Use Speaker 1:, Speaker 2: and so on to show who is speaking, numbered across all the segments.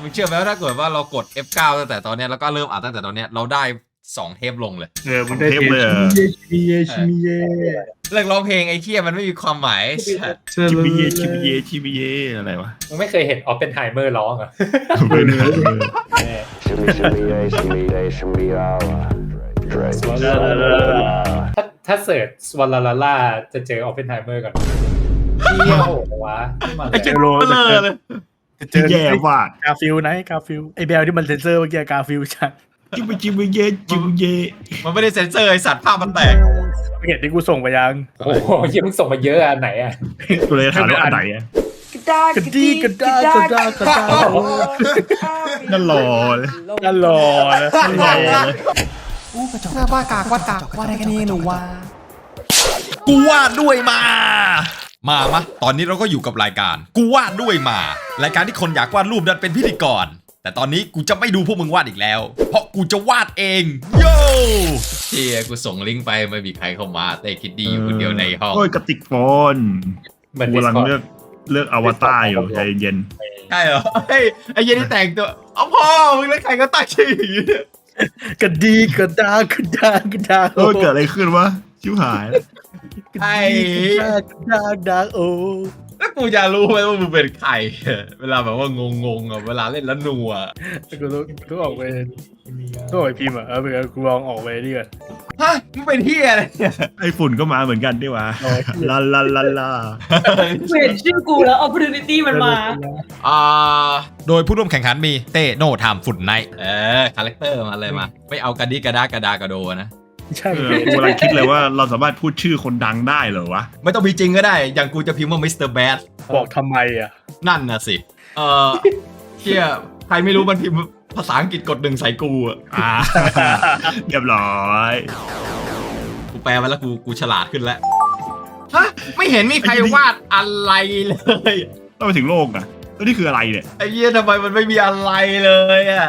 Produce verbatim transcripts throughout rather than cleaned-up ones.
Speaker 1: มึงเชื่อไหมว่าถ้าเกิดว่าเรากด เอฟ เก้า ตั้งแต่ตอนเนี้ยแล้วก็เริ่มอ่านตั้งแต่ตอนเนี้ยเราได้สองเทปลงเลย
Speaker 2: เออมึงได้เทปเลยเหรอ
Speaker 3: ชิมิเยชิมิเย
Speaker 1: เลิกร้องเพลงไอ้เคียมันไม่มีความหมาย
Speaker 2: ชิมิเยชิมิเยชิมิเยอะไรวะ
Speaker 4: มึงไม่เคยเห็นออฟเปนไฮเมอร์ร้องเหรอ
Speaker 2: ไม่ได้
Speaker 5: Shimmy, shimmy, yeah, shimmy, yeah, shimmy, yeah. Drake.
Speaker 4: ถ้าถ้าเสิร์ชสวอลลาลาล่าจะเจอออฟเปนไฮเมอร์ก่อนเที่ยววะนี่มัน
Speaker 1: ไอ้เจ้าโลเลย
Speaker 2: ที่แย่ว่ะ
Speaker 3: กาฟิลไหนกาฟิลไอแบลที่มันเซนเซอร์เมื่อกี้กาฟิลชัด
Speaker 2: ชิมิชิมิเยชิมิเย
Speaker 1: มันไม่ได้เซ็นเซอร์ไอสัตว์ภาพมันแตก
Speaker 3: ไม่เห็นที่กูส่งไปยัง
Speaker 4: โอ้โหยังมึงส่งมาเยอะอันไหนอ่ะ
Speaker 2: กูเลยถามว่าอันไหนอ่ะ
Speaker 3: กระดีกระดากระดากระดา
Speaker 2: นั่นหล่อเลย
Speaker 3: นั่นหล่อนะ
Speaker 2: นั่นหล่อเลย
Speaker 1: ว่ากากว่ากากว่าได้แค่นี้หนูว่ากูวาดด้วยมา มามะตอนนี้เราก็อยู่กับรายการกูวาดด้วยมา รายการที่คนอยากวาดรูปดันเป็นพิธีกรแต่ตอนนี้กูจะไม่ดูพวกมึงวาดอีกแล้ว เพราะกูจะวาดเองโย่เฮียกูส่งลิงก์ไปไม่มีใครเข้ามาแต่คิดดีอยู่คนเดียวในห้อง
Speaker 2: โอ้ยกระติกโฟน
Speaker 4: เหมือน
Speaker 2: กูกำลัง
Speaker 4: Discord
Speaker 2: เลือกเลือกอวตารอยู่ใจเย็น
Speaker 1: ใช่เหรอเฮ้ยไอ้เหี้ยนี่แต่งตัวเอาพ่อมึงแล้วใครก็ตั้งชื่ออย่างนี้เนี่ย
Speaker 3: กระดีกระดากระดากระดา
Speaker 2: โอ้ยเกิดอะไรขึ้นวะชิวหาย
Speaker 1: ไอ้
Speaker 3: กระดากระดาโอ้
Speaker 1: แล้วกูจะรู้ไหมว่ามึงเป็นใครเวลาแบบว่างงๆอ่ะเวลาเล่นแล้วนัว
Speaker 3: กูต้องต้องออกไปต้องออกไปพิมพ์อ่ะเออเดี๋ยวกูลองออกไปดิก่อน
Speaker 1: ฮะมึงเป็นเฮียอะไรเนี่ย
Speaker 2: ไอ้ฝุ่นก็มาเหมือนกันดิวะลาลาลาลา
Speaker 6: เห็นชื่อกูแล้ว opportunity มันมา
Speaker 1: อ่าโดยผู้ร่วมแข่งขันมีเต้โน่ทามฝุ่นไนท์เออคาแรคเตอร์มาเลยมาไม่เอากระดิกระดากระดากระโดนะ
Speaker 3: ใช่
Speaker 2: เออกูกำลังคิดเลยว่าเราสามารถพูดชื่อคนดังได้เหรอวะ
Speaker 1: ไม่ต้องมีจริงก็ได้อย่างกูจะพิมพ์ว่ามิสเตอร์แบด
Speaker 3: บอกทำไมอ่ะ
Speaker 1: นั่นน่ะสิเออเฮียใครไม่รู้มันพิมพ์ภาษาอังกฤษกดหนึ่งใส่กูอ่ะ
Speaker 2: อ่า เรียบร้อย
Speaker 1: กูแปลมาแล้วกูกูฉลาดขึ้นแล้วฮะไม่เห็นมีใครวาดอะไรเลย
Speaker 2: ต้องไปถึงโลกนะแล้วนี่คืออะไรเนี่ย
Speaker 1: ไอ้เหี้ยทำไมมันไม่มีอะไรเลยอ่ะ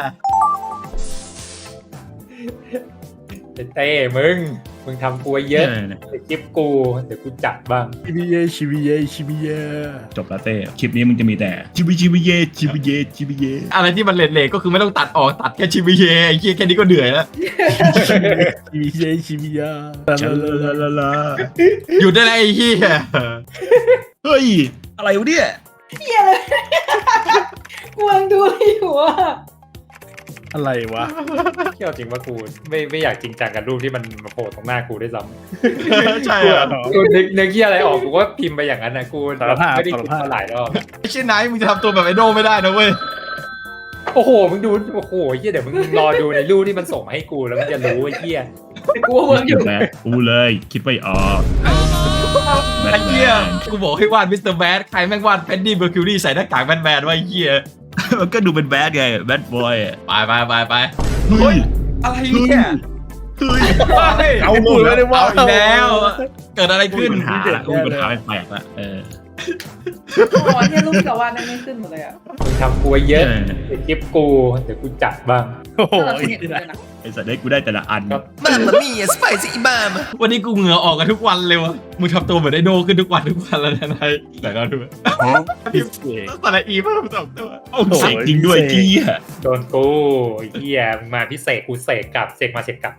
Speaker 4: เต้มึงมึงทำกูไว้เยอะเดี๋ยวคลิปกูเดี๋ยวกูจัดบ้าง
Speaker 3: ชิมิเยชิมิเยชิมิเย
Speaker 2: จบแล้วเต้คลิปนี้มึงจะมีแต่ชิบิชิบิเยชิบิเยชิบิเย
Speaker 1: อะไรที่มันเละๆก็คือไม่ต้องตัดออกตัดแค่ชิบิเยไอ้เหี้ยแค่นี้ก็เหนื่อยแล้ว
Speaker 3: ชิมิเยชิมิเย
Speaker 2: ลาลาลาลาลา
Speaker 1: หยุดได้แล้วไอ้เหี้ย
Speaker 2: เฮ้ยอะไรวะเนี่ย
Speaker 6: เฮียเลยกูกำลังดูอยู่ว่า
Speaker 3: อะไรวะ
Speaker 4: เที่ยวจริงว่ากูไม่ไม่อยากจริงจังกับรูปที่มันมาโผล่ตรงหน้ากูด้วยซ้
Speaker 1: ใช่
Speaker 4: ำกู
Speaker 1: อะ
Speaker 4: กูนึกนึกที่อะไรออกกูก็พิมพ์ไปอย่างนั้นนะกูไม่ได้คิดมาหลายรอบ
Speaker 1: ไอ้เช่นไหนมึงจะทำตัวแบบไอโดไม่ได้นะเว้ย
Speaker 4: โอ้โหมึงดูโอ้โหเฮียเดี๋ยวมึงรอดูในรูปที่มันส่งมาให้กูแล้วมึงจะรู้ไอ้เฮีย
Speaker 6: กูว่าเวิร์กอยู่
Speaker 2: แล้วกูเลยคิดไม่ออก
Speaker 1: ไอ้เหี้ยกูบอกให้วาดมิสเตอร์แบดใครแม่งวาดแพนดี้เบอร์คิวรี่ใส่หน้ากากแบทแมนไว้ไอ้เหี้ย
Speaker 2: มันก็ดูเป็นแบดไงแบดบอย
Speaker 1: ไปไปไปไป
Speaker 2: เฮ้ย
Speaker 1: อะไรเนี่ย
Speaker 2: เฮ้ย
Speaker 1: เฮ้ย
Speaker 2: เอาหมดแล้ว
Speaker 1: เอาอีกแล้ว เกิดอะไร
Speaker 2: กู
Speaker 1: ขึ้น
Speaker 2: มีปัญหาละกูมีปัญหาแปลกๆละเออ
Speaker 6: โอ้ยเนี่ยรูปที่เราวาดนั่นไม่ขึ้นหมดเลยอ่ะ
Speaker 4: มึงทำกูไว้เยอะเดี๋ยวคลิปกูเดี๋ยวกูจัดบ้าง
Speaker 3: โอ้โห
Speaker 6: ถ้าเราเห็นเลยนะ
Speaker 2: ไอ้สัตว์ได้กูได้แต่ละอัน
Speaker 4: ครับ
Speaker 1: มามามี่สไปซี่มามวันนี้กูเหงื่อออกกันทุกวันเลยวะมึงทำตัวเหมือนไอโดขึ้นทุกวันทุกวันแล้วนะนายไหนเราดูพิมพ์สระอีเพิ่มสองตัว
Speaker 2: โอ้ใส่จริงด้วยจี้อ่ะ
Speaker 4: โดนกูไอ้เฮียมึงมาพิเศษกูเสกกลับเสกมาเสกกลับ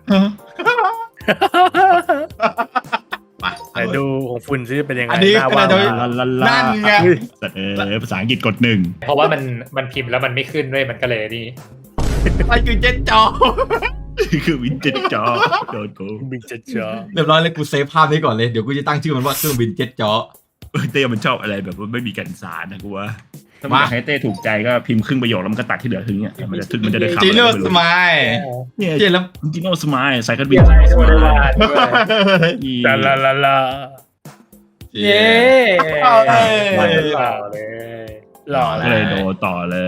Speaker 1: ไป
Speaker 3: ไหนดูของฝุ่นซิเป็นยังไง
Speaker 1: อันนี้
Speaker 3: หน้าว่าง
Speaker 1: ขนาด
Speaker 2: ลาลาลา
Speaker 1: นั่นไง
Speaker 2: สัตว์เออภาษาอังกฤษกดหนึ่ง
Speaker 4: เพราะว่ามันมันพิมพ์แล้วมันไม่ขึ้นด้วยมันก็เลยนี่
Speaker 1: ไปคือเจ็ดจอ
Speaker 2: คือวินเจจอโดนกู
Speaker 3: บินจะจอ
Speaker 1: เรียบร้อยเลยกูเซฟภาพนี้ก่อนเลยเดี๋ยวกูจะตั้งชื่อมันว่าเครื่องบินเจ็ตจอ
Speaker 2: เต้มันชอบอะไรแบบว่าไม่มีกันสารนะกูว่าถ้ามันอยากให้เต้ถูกใจก็พิมพ์ครึ่งประโยคแล้วมันก็ตัดที่เหลือทิ้งอ่ะมันจะมันจะได้คำ
Speaker 1: จีโน่สมาย
Speaker 2: เนี่ย
Speaker 1: เจ็ดแล้ว
Speaker 2: จริงๆก็สมายใส่กันบิ
Speaker 4: เฮี
Speaker 2: น
Speaker 4: ยอะไรก็ไม่ได้วาดด้วย
Speaker 3: ลาลาลาลา
Speaker 4: เย้
Speaker 1: เอ้ย
Speaker 4: หล่อเลย
Speaker 3: หล่อ
Speaker 2: ก็
Speaker 3: เล
Speaker 2: เลย ยโดนต่อเลย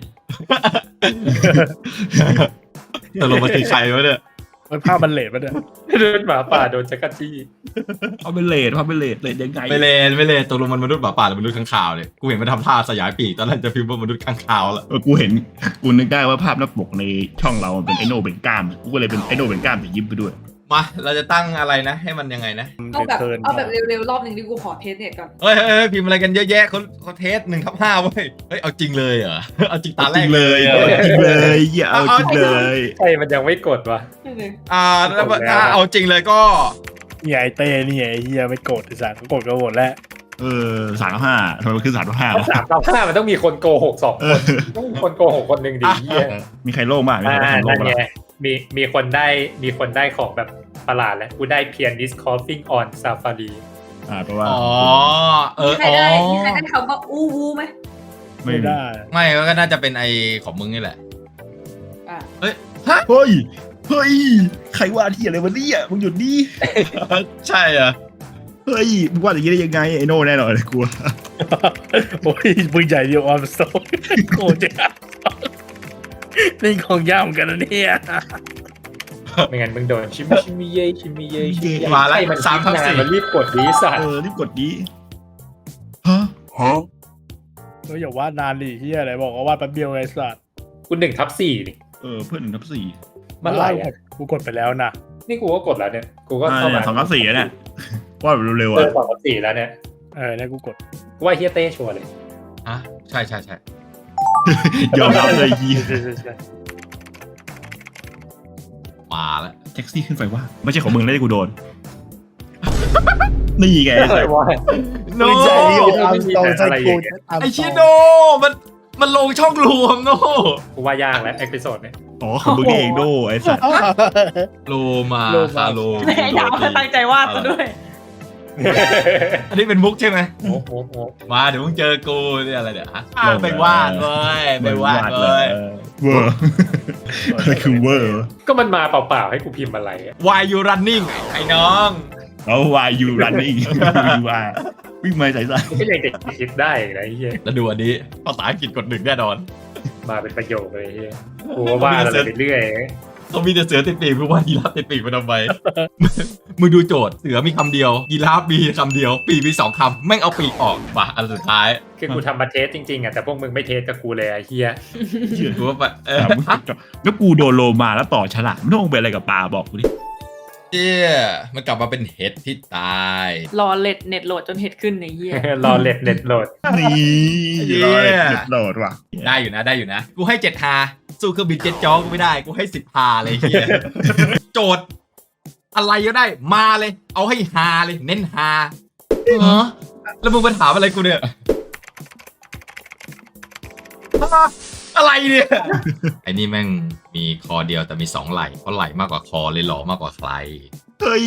Speaker 1: ตกลงมันคือใครวะเนี่ย
Speaker 3: มันภาพมันเลดปะเนี่ย
Speaker 4: โดนหมาป่าโดนจักรจี้
Speaker 2: เอาเป็นเลทเอาเป็นเลทเลทยังไง
Speaker 1: ไม่เลนไม่เลนตกลงมันมนุษย์หมาป่าหรือมนุษย์ข้างคาวเลยกูเห็นมันทำท่าสยายปีกตอนแรกจะพิมพ์ว่ามนุษย์ข้างคาวแล้ว
Speaker 2: เออกูเห็นกูนึกได้ว่าภาพหน้าปกในช่องเรามันเป็นไอโนเบนก้ามกูก็เลยเป็นไอโนเบนก้ามแต่ยิ้มไปด้วย
Speaker 1: มาเราจะตั้งอะไรนะ ให้มันยังไงนะ
Speaker 6: เอาแบบ
Speaker 3: เทิร์น
Speaker 6: เอาแบบเร็วๆรอบหนึ่งดิกูขอเทสเน็ตก่อน
Speaker 1: เฮ้ยเฮ้ยเฮ้ยพิมพ์อะไรกันเยอะแยะเขาเขาเทสหนึ่งทับห้าเว้ยเฮ้ยเอาจริงเลยเหรอเอาจริงตาแรก
Speaker 2: เลย
Speaker 1: เหร
Speaker 2: เอา
Speaker 1: อ
Speaker 2: จริงเลยอย่าเอาจริงเลย
Speaker 4: ใช่มันยังไม่กดวะ
Speaker 6: นี่เลย
Speaker 1: อ่าแล้วถ้าเอาจริงเลยก็
Speaker 3: นี่ไอเต้นี่ไอเฮียไม่โกรธไอ้สัตว์เขาโกรธกันหมดแล้ว
Speaker 2: เออสามกับห้าทำไมมันคือสามกับห้า
Speaker 4: ถ้าว
Speaker 2: ะ
Speaker 4: สามต่อห้ามันต้องมีคนโกหกสองค
Speaker 2: เอน อ
Speaker 4: ต้องมีคนโกหกคนหนึ่งดิเหี้ย
Speaker 2: มีใครโล่งบ้างมี
Speaker 4: อ่า
Speaker 2: ใครโล่
Speaker 4: นั่
Speaker 2: ง
Speaker 4: น
Speaker 2: บ้าง
Speaker 4: ไงมีมีคนได้มีคนได้ของแบบประหลาดแล้วกูได้ Pianist Coughing on Safari
Speaker 2: อ่าเพราะว่า
Speaker 1: อ๋อเอ
Speaker 6: มี
Speaker 1: อ
Speaker 6: ใคร
Speaker 1: อ๋อ
Speaker 6: ได้มีใครได้คำว่าอู้วูไหม
Speaker 2: ไม่
Speaker 3: ไม่
Speaker 2: มี
Speaker 3: ได้
Speaker 1: ไม่ก็น่าจะเป็นไอของมึงนี่แหละ
Speaker 6: อ่ะ
Speaker 1: เฮ้ยฮะ
Speaker 2: เฮ้ยเฮ้ยใครว่าที่อะไรวะเนี่ยมึงหยุดดิ
Speaker 1: ใช่เหรอ
Speaker 2: เฮ้ยมึงว่าอย่างนี้ได้ยังไงไอ้โน่แน่นอนเลยกลัว
Speaker 3: โอ้ยปืนใหญ่เดียวออมสโตนโกรธจังนี่ของยากเหมือนกันนะเนี่ย
Speaker 4: ไม่งั้นมึงโดนชิมิชิมิเย่ชิมิเย่ชิมิเย่
Speaker 1: มาแล้ว
Speaker 4: ใช่มัน
Speaker 1: สามทับสี่
Speaker 4: มันรีบกดดีสัต
Speaker 2: เอ
Speaker 4: ว์
Speaker 2: อรีบกดดีฮะฮะ
Speaker 3: เฮ้ยอย่าวาดนานดิเฮียอะไรบอกว่าวาดแป๊บเดียวไงสัตว์
Speaker 4: กูหนึ่งทับสี่นี่
Speaker 2: เออเพื่อนหนึ่งทับสี่
Speaker 4: มันไหลอะ
Speaker 3: กูกดไปแล้วนะ
Speaker 4: นี่กูก็กดแล้วเนี่ยกูก็
Speaker 2: อ่า
Speaker 4: เข้า
Speaker 2: เนี่
Speaker 4: มาย
Speaker 2: สองทับสี่อะเนี่ยว่าแบบเร็วๆ
Speaker 4: เออ
Speaker 2: อ่ะ
Speaker 4: สองทับสี่แล้วเนี่ย
Speaker 3: เออเนี่ยกูกด
Speaker 4: กูว่าเฮียเต้ชัวร์เลย
Speaker 1: อ่ะใช่ใช่ใช่
Speaker 2: ยอมรับเลยยี
Speaker 3: ใช่ใช่ใช่
Speaker 1: มาแล้ว
Speaker 2: แท็กซี่ขึ้นไปว่า ไม่ใช่ของมึงแล้วที่กูโดน นี่ไง
Speaker 4: อะไรวะ
Speaker 1: โน
Speaker 3: ปืนใหญ่เดียวออมสโตน
Speaker 4: อะไรอย่างเงี้ย
Speaker 1: ไอชิโนมันมันลงช่องรวมโน
Speaker 4: กูว่ายากแล้วเอพิโซดเนี่ย
Speaker 2: อ๋อของมึงเองโดไอ้สัตว์
Speaker 1: โลมาคาโล
Speaker 6: ไอ้ดาวตั้งใจวาดซะด้วย
Speaker 1: อันนี้เป็นมุกใช่ไหม
Speaker 4: โอ้โหโอ้โห
Speaker 1: มาเดี๋ยวมึงเจอกูเนี่ยอะไรเดี๋ยวอ่ะอ่ะไปวาดเว้ยไปวาด
Speaker 2: เล
Speaker 1: เว้ย
Speaker 2: ยเวอร์อะไรคือเวอร์
Speaker 4: ก็มันมาเปล่าๆให้กูพิมพ์อะไรอะ
Speaker 1: Why you running ไอ้น้อง
Speaker 2: เอาวายยูรันนี่ว่าวิ่งมาใส่ใส่
Speaker 4: ไม่ยังเด็กคิดได้อีกนะไอ้เฮีย
Speaker 1: แล้วดูอันนี้ภาษาอังกฤษกดหนึ่งแน่นอน
Speaker 4: มาเป็นประโยคเลยไอ้เฮียกูก็ว่าอะไรไปเรื่อย
Speaker 1: เขามีแต่เสือติดปีกกูว่ายีราฟติดปีกมันทำไม มึงดูโจทย์เสือมีคำเดียวยีราฟมีคำเดียว ปีกมีสองคำแม่งเอาปีกออกมาอันสุดท้าย
Speaker 4: คือกูทำมาเทสจริงๆอ่ะแต่พวกมึงไม่เทสกับกูเลยไอ้เฮีย
Speaker 2: เชื่อ
Speaker 1: กูว่าแบบเออ
Speaker 2: ถามมึงแล้วกูโดนโลมาแล้วต่อฉลามไม่ต้องเป็นอะไรกับปลาบอกกูดิ
Speaker 1: เจี๊ยมันกลับมาเป็นเห็ดที่ตาย
Speaker 6: รอเล็ดเน็ตโหลดจนเห็ดขึ้นในเหี้ย
Speaker 4: รอเล็ดเน็ตโหลด
Speaker 2: นี่รอเลยเด็ดโหลดว่ะ
Speaker 1: ได้อยู่นะได้อยู่นะ กูให้เจ็ดฮาสู้เครื่องบินเจ็ตจอกูไม่ได้ กูให้สิบฮาเลยเฮีย โจทย์ อะไรก็ได้มาเลย เอาให้ฮาเลย เน้นฮาเหรอแล้วมึงมาถามอะไรกูเนี่ย อะไรเนี่ย ไอ้นี่แม่งมีคอเดียวแต่มีสองไหล่เพราะไหล่มากกว่าคอเลยหล่อมากกว่าใคร
Speaker 2: เฮ้ย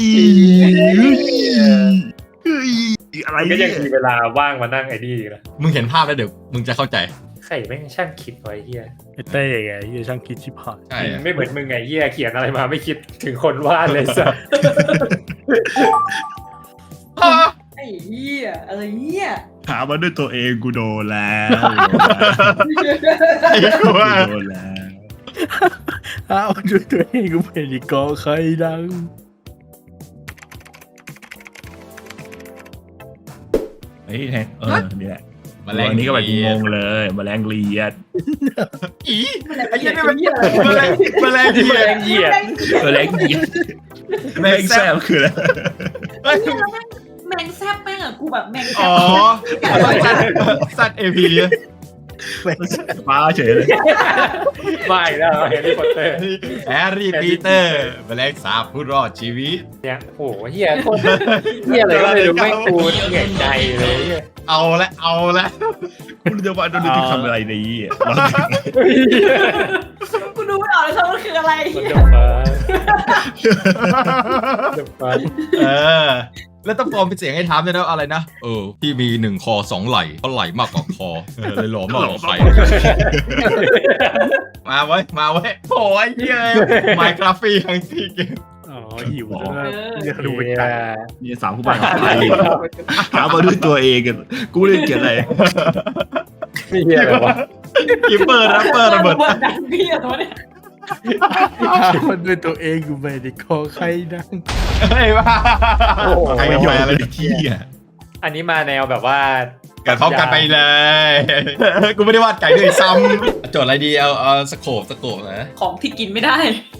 Speaker 2: เฮ้ยอะไร
Speaker 4: ก็
Speaker 2: เนี่
Speaker 4: ยัง
Speaker 2: ย
Speaker 4: มีเวลาว่างมานั่งไอ้นี่อีกนะ
Speaker 1: มึงเห็นภาพแล้วเดี๋ยวมึงจะเข้าใจ
Speaker 4: ใครแม่งช่างคิดไว้เฮีย
Speaker 3: ไอเต้ไงเฮียช่างคิดชิบหาย
Speaker 1: ใช่อะ
Speaker 4: ไม่เหมือนมึงไงเฮียเขียนอะไรมาไม่คิดถึงคนวาดเลยสัส
Speaker 6: ไอ้เหี้ยอะไรเนี่ย
Speaker 2: ถามมาด้วยตัวเองกูโดนแล้ว
Speaker 1: ไอ้กูว่า
Speaker 2: โดนแล้ว
Speaker 3: อ้าวช่วยตัวเองกูเป็นอีกกอใครดัง
Speaker 2: เฮ้ยแทงเออนี่แหละ
Speaker 1: แมลง
Speaker 2: อันนี้ก็แบบงงเลยแมลงเลียด
Speaker 1: อีไอ้เหี้ยนี่มันแมลงแมลง
Speaker 4: แม
Speaker 1: เหี้ย
Speaker 4: ลงเหยียด
Speaker 2: แมลงเลียดแมลงแซ่บคืออะไร
Speaker 1: เฮ้ย
Speaker 6: แมงแซบแม่งอะกูแบบแมงแซ
Speaker 1: อ๋
Speaker 6: บ
Speaker 1: อสัตว์สัตว์เอพี
Speaker 2: ฟ้าเฉยเลย
Speaker 4: ไม่แล้วเฮลิคอปเตอร์
Speaker 1: แฮร์รี่ปีเตอร์แมลงสาบผู้รอดชีวิต
Speaker 4: เนี่ยโอ้โหเฮียโคตรเฮียอะไรก็ไม่รู้ไม่งกูเหนื่อยใจเลยเฮีย
Speaker 1: เอาละเอาละ
Speaker 2: คุณจะว่าโดนดึงทำอะไรในนี้
Speaker 6: กูดูไม่ออกเลยครับมันคืออะไร
Speaker 4: มันจะฟ้าจะฟ้า
Speaker 1: เออ แล้วต้องฟอร์มเป็นเสียงให้ถามด้วยนะอะไรนะ เออ ที่มีหนึ่งคอสองไหล่เพราะไหล่มากกว่าคอเออเลยหลอมากกว่าใครมาไว้มาไว้โอ้ยเย้ยไมค์กราฟีทั้งที่เกม
Speaker 3: อ๋อหิวจังเลยเฮียดูไป
Speaker 4: เฮีย
Speaker 3: ไกล
Speaker 2: นี่สามคู่บ้านของใครถามมาด้วยตัวเองกันกูเล่นเกียร์อะไร
Speaker 4: เฮียอะไรวะ
Speaker 1: กิปเปอร์แรปเปอร์ระเบิด
Speaker 6: ดังพี่อะไรวะเนี่ย
Speaker 3: มันด้วยตัวเองกูไม่ได้กอใครดัง
Speaker 1: เฮ้ยว่า
Speaker 4: โอ้โห
Speaker 2: ใคร
Speaker 1: ไม่
Speaker 2: ยอ
Speaker 1: ไหว
Speaker 2: ม
Speaker 1: อะไร
Speaker 2: เป็นที่อ่ะ
Speaker 4: อันนี้มาแนวแบบว่า
Speaker 1: กันพร้อมกันไปเลย กูไม่ได้วาดไก่ด้วยซ้ำโจทย์อะไรดีเอาเอาสโคปสโคปนะ
Speaker 6: ของที่กินไม่ได้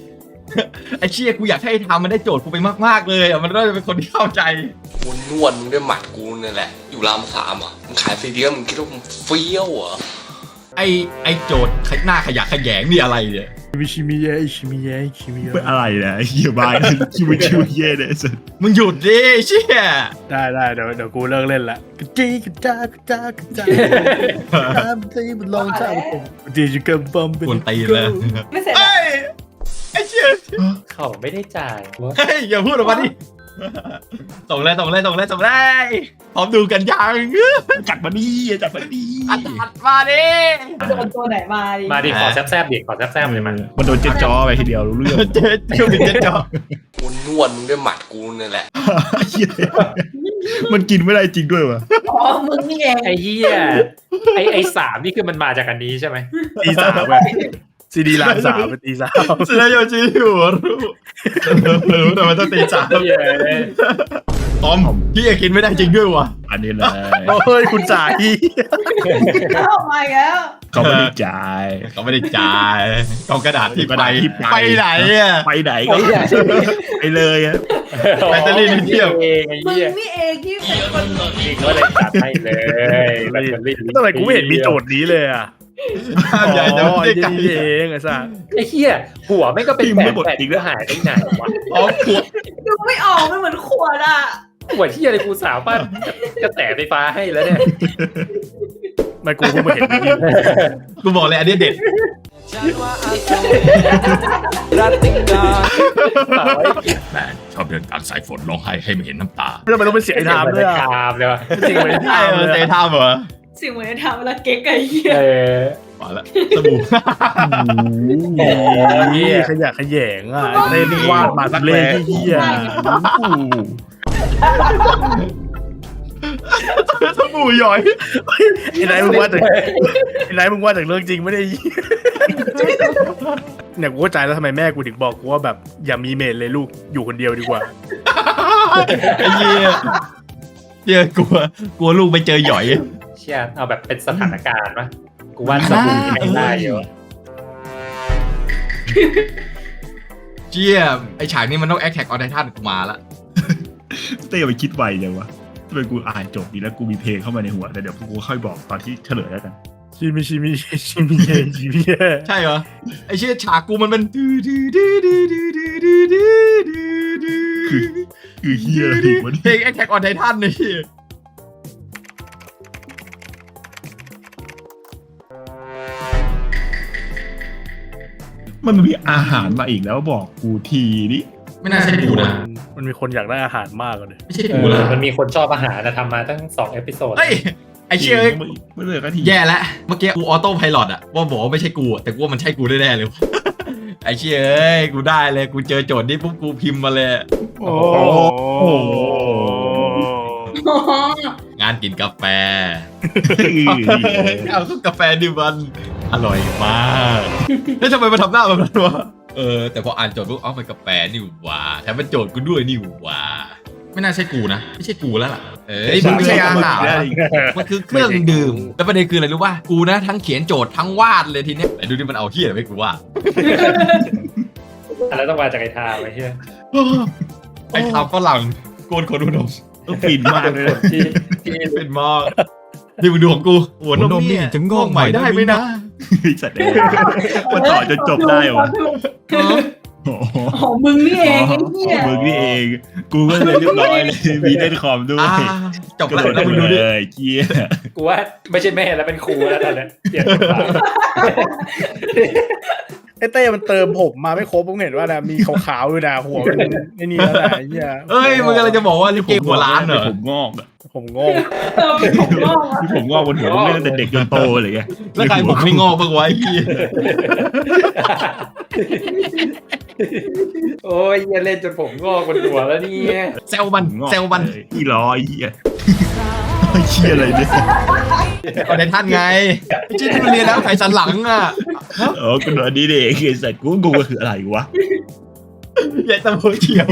Speaker 1: ไอ้เชี่ยกูอยากให้ทำมันได้โจทย์กูไปมากๆเลยอ่ะมันน่าจะเป็นคนที่เข้าใจ
Speaker 7: กูนวดมึงด้วยหมัดกูเนี่ยแหละ อยู่รามสามอ่ะมึงขายซีเดียมมึงคิดว่ามึงเฟี้ยวเหรอ
Speaker 1: ไอ้ไอ้โจทย์หน้าขยะแขยงนี่อะไรเนี่ย
Speaker 3: มิชิมิเยะชิมิเยะชิมิเยะ
Speaker 2: เป็นอะไรนะไอ้เหี้ยบายคิวคิวเย่เนี่ยสุด
Speaker 1: มึงหยุดดิเชี่ย
Speaker 3: ได้ได้เดี๋ยวเดี๋ยวกูเลิกเล่นละกระจีกระจากระจากระจายตามตีมันลองเท้าผมดีจุกันบอมเป็น
Speaker 1: กวนตีนเลย
Speaker 6: ไม่เสร็จ
Speaker 1: เอ้ยไอ้เชี่ย
Speaker 4: เขาไม่ได้จ่าย
Speaker 1: เฮ้ยอย่าพูดออกมาดิส่งเลยส่งเลยส่งเลยส่งเลยพร้อมดูกันยัง
Speaker 2: จัดมาดีจัดมาดี
Speaker 1: อัดอัดมาดิ
Speaker 6: โดนตัวไหนมาดิ
Speaker 4: มาดิขอแซบๆดิขอแซบๆเลยมัน
Speaker 2: มันโดนเจ็ดจอไปทีเดียวรู้เรื่อง
Speaker 1: เจ๊เจ้าดิเจ๊จอ
Speaker 7: กูนวดมึงด้วยหมัดกูเนี่ยแหละ
Speaker 2: เหี้ยมันกินไม่ได้จริงด้วยวะ
Speaker 6: อ๋อมึงนี่เอง
Speaker 4: ไอ้เหี้ยไอ้ไอ้สามนี่คือมันมาจากอันนี้ใช่ไหม
Speaker 3: ตีสามเลยซีดีลามสามเป็นตีสาม
Speaker 1: เซนโยชิหัวรู้รู้แต่มันต้องตีสาม
Speaker 4: เหี้ย
Speaker 1: ตอมพี่เอกินไม่ได้จริงด้วยวะ
Speaker 2: อันนี้เลย
Speaker 3: โอ้ยคุณจ่าย
Speaker 6: เข้ามาอีกแล้ว
Speaker 2: เขาไม่ได้จ่าย
Speaker 1: เขาไม่ได้จ่ายกองกระดาษที่
Speaker 2: กระ
Speaker 1: ไป
Speaker 2: ดาษที่ไป
Speaker 1: ไปไหนอ่ะ
Speaker 2: ไปไหนก็ไปเลยอะ
Speaker 1: แบตเตอรี่นิดเดียว
Speaker 4: เองไอ้
Speaker 6: มึง
Speaker 4: เหี้ย
Speaker 6: นี่เองที่เป็นคน
Speaker 4: นี่ก็เลยจัดให้เลยแบตเตอรี่
Speaker 3: ทำไมกูไม่เห็นมีโจทย์นี้เลยอ่ะ
Speaker 1: ใหญ่แต่
Speaker 3: อ๋อ
Speaker 1: ไม่ได้ไกล
Speaker 3: นี่เองไอ้สัส
Speaker 4: ไอ้เหี้ยหัวไม่ก็เป็นแบตแบตอีกแล้วหายไปไหนวะ
Speaker 1: อ๋อขวด
Speaker 6: ดูไม่ออกมันเหมือนขวดอ่ะ
Speaker 4: หัวที่อะไรกูสาวปั้นกระแสไฟฟ้าให้แล้วเนี่ย
Speaker 3: ไม่กูเพิ่งมาเห็นนี่
Speaker 1: กูบอกเลยอันนี้เด็ด แม่ชอบเดินกลางสายฝนร้องไห้ให้ไม่เห็นน้ำตา
Speaker 3: ทำไมต้องเป็นเสียงไอ้ทามด้วยอ่ะ
Speaker 4: คามเลยวะ
Speaker 3: จริงเหมือนไอ้
Speaker 1: ใช่
Speaker 3: ทาม
Speaker 1: เอ
Speaker 3: เล
Speaker 1: อย เตะ
Speaker 3: อะ
Speaker 1: ท่าเหรอ
Speaker 6: สิ่งเหมือนทำเวลาเก๊กไอ้เหี้ย
Speaker 4: เออ
Speaker 1: มาแล้วสบู่
Speaker 3: โอ้ยขยะขยงอ่ะเล่นวาดมาสักเล่นที่เหี้ย
Speaker 1: สบู่หย่อย
Speaker 3: ไอ้ไหนมึงว่าจากไอ้ไหนมึงว่าจากเรื่องจริงไม่ได้เนี่ยกูเข้าใจแล้วทำไมแม่กูถึงบอกกูว่าแบบอย่ามีเมดเลยลูกอยู่คนเดียวดีกว่า
Speaker 1: ไอ้เหี้ยเหี้ยกลัวกลัวลูกไปเจอหย่อย
Speaker 4: เชี่ยเอาแบบเป็นสถานการณ์ปะกูว่าสบู่ไม่ได้เยอะ
Speaker 1: เจี๊ยไอฉากนี้มันต้องแอคแท็กออนไททันกูมาละ
Speaker 2: เต้ไปคิดไวจังวะทำไมกูอ่านจบดีแล้วกูมีเพลงเข้ามาในหัวแต่เดี๋ยวกูค่อยบอกตอนที่เฉลยแล้วกัน
Speaker 3: ชิมิชิมิชิมิเยชิมิเย
Speaker 1: ใช่เหรอไอเชี่ยฉากกูมันเป็น
Speaker 2: คือคือเฮียอะไรวะ
Speaker 1: เพลงแอคแท็กออนไททันนี่
Speaker 2: มันมีอาหารมาอีกแล้วบอกกูทีนี่
Speaker 1: ไม่น่าใช่กูนะ
Speaker 3: มันมีคนอยากได้อาหารมากเลย
Speaker 1: ไม่ใช่
Speaker 4: เอ
Speaker 1: กู
Speaker 4: อ
Speaker 1: ละ
Speaker 4: มันมีคนชอบอาหารนะทำมาตั้งสองเอพิโซด
Speaker 1: เฮ้ยไอเชี่ย
Speaker 2: ไม่เลยก็ที
Speaker 1: แย่แล้วเมื่อกี้กูออโต้ไพลอตอะว่าบอกว่าไม่ใช่กูอะแต่กูว่ามันใช่กูแน่ๆเลย ไอเชี่ยเอ้ยกูได้เลยกูเจอโจทย์นี้ปุ๊บกูพิมพ์มาเลย
Speaker 3: โอ้
Speaker 2: โอ้โห
Speaker 1: งานกินกาแฟ เอากาแฟดิมันอร่อยมากแล้วทำไมมาทำหน้าแบบนั้นวะเออแต่พออ่านโจทย์ปุ๊บเอ้ามันกาแฟนี่หว่าแถมมันโจทย์กูด้วยนี่หว่าไม่น่าใช่กูนะไม่ใช่กูแล้วล่ะเอ้ยมันไม่ใช่อาหารมันคือเครื่องดื่มแล้วประเด็นคืออะไรรู้ป่ะกูนะทั้งเขียนโจทย์ทั้งวาดเลยทีเนี้ยแต่ดูดิมันเอาเฮี้ยอะไรไม่กูวาด
Speaker 4: อะไรต้องมาจากไอ้ทาไอ้เหี้ย
Speaker 1: ไอ้ทำฝรั่งโกนขนอุดม
Speaker 2: ฟินมากเลย
Speaker 4: ที่ที่
Speaker 1: เป็นมากนี่มึงดูของกูหัวนมนี่จะงอกใหม่ได้ไหมนะ
Speaker 2: สัตว์เองมันต่อจนจบได้วะโอ้โห
Speaker 6: ของมึงนี่เองไอ้เหี้ย
Speaker 2: มึงนี่เอง กูก็เลยเรียบร้อยเลยมีเล่นคอมด้วย
Speaker 1: อ่าจบ
Speaker 2: กระ
Speaker 1: แล้ว
Speaker 2: โดด
Speaker 1: แล้วมึงดู
Speaker 2: เล
Speaker 1: ดิ
Speaker 2: ยเกี้ย
Speaker 4: กูว่าไม่ใช่แม่แล้วเป็นครูแล้วตอนเนี้ยเปลี่ยนบทบาท
Speaker 3: ไอ้เต้มันเติมผมมาไม่ครบผมเห็นว่านะมีขาวๆด้วยนะหัวมันไอ้นี่แล้วนะไอ้เหี้ย
Speaker 1: เอ้ยมึงอะไรจะบอกว่าลิเกหัวล้านเหรอ
Speaker 2: ผมงอกอะ
Speaker 3: ผมงง
Speaker 6: เออเป็นของงอกอะ
Speaker 2: ที่ผมงอกบนหัวต้องเล่นตั้งแต่เด็กจนโตเลยไง
Speaker 1: แล้วใครผมไม่งอกบ้างวะไอ้พี่
Speaker 4: โอ้ยเหี้ยเล่นจนผมงอกบนหัวแล้วเนี่ย
Speaker 1: เซลมันเซลมัน
Speaker 2: อีร้อยเหี้ยไอ้เหี้ยอะไรเนี่ย
Speaker 1: ก็ได้ท่านไงไอ้ที่ที่มันเรียนแล้วไขสันหลังอ่ะ
Speaker 2: เออกูโดนนี่เด็กไอ้สัตว์กูกูคืออะไรวะ
Speaker 1: ใหญ่ตะโพเขียว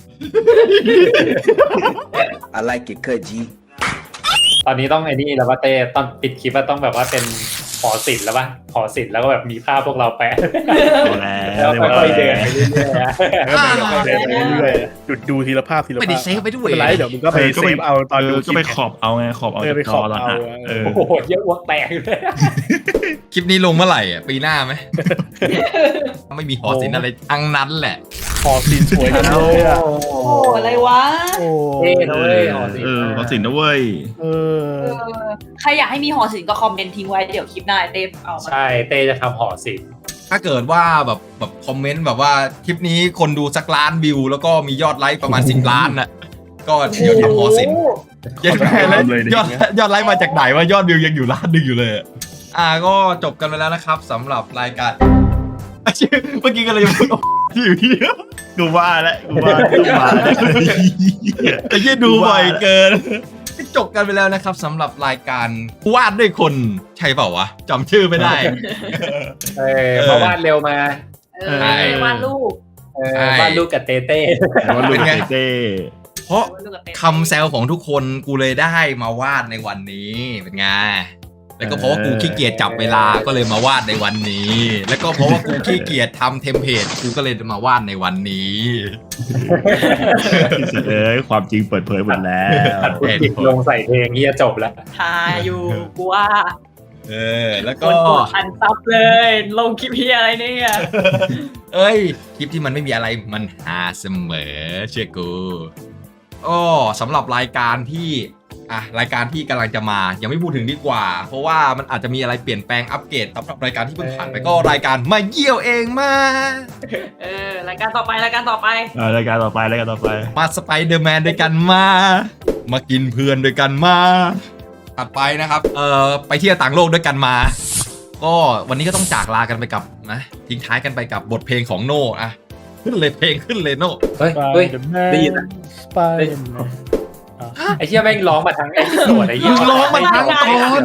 Speaker 5: I like it cut G
Speaker 4: ตอนนี้ต้องไอ้นี่แล้วว่าเต้ตอนปิดคลิปว่าต้องแบบว่าเป็นโอหอศิลป์แล้วป่ะหอศิลป์แล้วก็แบบมีภาพพวกเราแปะ
Speaker 2: เอาแล้ว
Speaker 4: แล้วค่อยๆเดินไปเรื่อยๆอะ
Speaker 3: แล้วก็มันก็เดินไปเรื่อยๆหยุดดูทีละภาพทีละภาพ
Speaker 1: ไม่ได้เซฟไปด้วย
Speaker 3: ไม่เป็นไรเดี๋ยวมึงก็ไปเซฟเอาตอนดู
Speaker 2: ก็ไปขอบเอาไงขอบเอา
Speaker 3: เออไป
Speaker 2: จาก
Speaker 3: ข
Speaker 2: จ
Speaker 3: อ
Speaker 2: อบ ตอน
Speaker 3: เอา
Speaker 2: อ่ะเออ
Speaker 4: โอ้โหเยอะอ้วกแตกเลย
Speaker 1: คลิปนี้ลงเมื่อไหร่อ่ะปีหน้าไหม ไม่มีหอศิลป์อะไรทั้งนั้นแหละ
Speaker 3: หอศิลป์สวยจังเลยอ่ะ
Speaker 6: โอ้อะไรวะ
Speaker 3: โอ้
Speaker 4: เท่นะเว้ยหอศิล
Speaker 2: เอ
Speaker 4: ป์
Speaker 2: อขอสินนะเว้ย
Speaker 3: เออ
Speaker 6: เออใครอยากให้มีหอศิลป์ก็คอมเมนต์ทิ้งไว้เดี๋ยวคลิปหน้าเต้เอามา
Speaker 4: ใช่เต้จะทำหอศิลป์
Speaker 1: ถ้าเกิดว่าแบบแบบคอมเมนต์แบบว่าคลิปนี้คนดูสักล้านวิว แล้วก็มียอดไลค์ประมาณ สิบ ล้านน่ะก็เดี๋ยวทำหอศิลป์ยอดยอดยอดไลค์มาจากไหนว่ายอดวิวยังอยู่ล้านหนึงอยู่เลยอะอ่าก็จบกันไปแล้วนะครับสำหรับรายการชื่อเมื่อกี้ก็เลยจะพูดที่อยู่ที่
Speaker 2: กูว่าแล้วกูว่ากูมาแล้ว
Speaker 1: ไอ้ยี่ดูบ่อยเกินจบกันไปแล้วนะครับสำหรับรายการวาดด้วยคนใช่เปล่าวะจำชื่อไม่ได้
Speaker 4: เออมาวาดเร็วมา
Speaker 6: เออวาดรูป
Speaker 4: เออวาดรูปกับเต้เต้
Speaker 2: ว่าลูกเต้
Speaker 1: เพราะ
Speaker 6: วาดรูปกับเต้
Speaker 1: คำแซวของทุกคนกูเลยได้มาวาดในวันนี้เป็นไงแล้วก็เพราะว่ากูขี้เกียจจับเวลาก็เลยมาวาดในวันนี้ แล้วก็เพราะว่ากูขี้เกียจทำเทมเพลตกูก็เลยมาวาดในวันนี้
Speaker 2: เอ้ยความจริงเปิดเผยหมดแล้ว
Speaker 4: ตัดพุทธิลงใส่เพลงเฮียจบแล้ว
Speaker 6: ทาอยู่กูว่า
Speaker 1: เออแล้ว
Speaker 6: ค
Speaker 1: ก็
Speaker 6: นกดพันซับเลย ลงคลิปเฮียอะไรเนี่ย
Speaker 1: เอ้ยคลิปที่มันไม่มีอะไรมันหาเสมอเชื่อกูอ้อสำหรับรายการที่อ่ะรายการที่กำลังจะมายังไม่พูดถึงดีกว่า เพราะว่ามันอาจจะมีอะไรเปลี่ยนแปลงอัปเกรดสำหรับรายการที่เพิ่งผ่านไปก็รายการมาเยี่ยวเองมา
Speaker 6: เออรายการต่อไปรายการต่อไป
Speaker 2: อ่ารายการต่อไปรายการต่อไป
Speaker 1: มาสไปเดอร์แมนด้วยกันมา มากินเพื่อนด้วยกันมา ถัดไปนะครับ เอ่อ ไปเที่ยวต่างโลกด้วยกันมา ก็วันนี้ก็ต้องจากลากันไปกับนะทิ้งท้ายกันไปกับบทเพลงของโน่อะขึ้นเลยเพลงขึ้นเลยโน่
Speaker 4: เฮ้ยเฮ้ย ได้ยินอะ
Speaker 3: สไปเดอร์แมน
Speaker 4: ไอ้เหี้ยแม่งร้องมาทั้งไอ้ที่โสดไอ้เหี้ย
Speaker 1: มึงร้องมันทั้งตอน